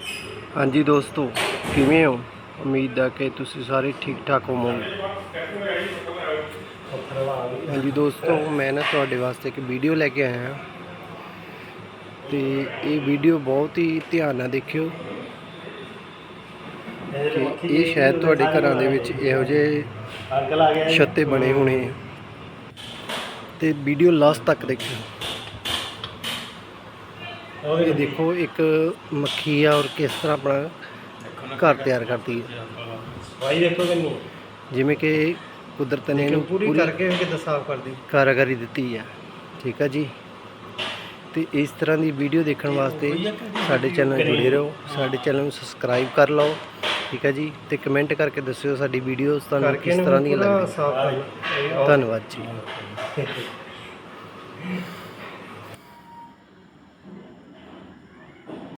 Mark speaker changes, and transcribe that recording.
Speaker 1: हाँ जी दोस्तों, किवें हो? उम्मीद है कि तुसी सारे ठीक ठाक होवोगे। हाँ जी दोस्तों, मैं ना तुहाडे वास्ते एक वीडियो लैके आया हाँ तो ये वीडियो बहुत ही ध्यान नाल देखियो कि ये शायद तुहाडे घरां दे विच इहो जिहे छत्ते बने होने तो वीडियो लास्ट तक देखियो। ये देखो एक मक्खी है और किस तरह अपना घर तैयार करती है, जिमें कि कुदरत ने इन्हू पूरी कारागरी दी है। ठीक है जी, तो इस तरह की वीडियो देखने वास्ते साडे चैनल जुड़े रहो, साडे चैनल सबसक्राइब कर लो। ठीक है जी, तो कमेंट करके दस्सिओ साडी वीडियोस तुहानू किस तरह दी लगदी। धन्यवाद जी।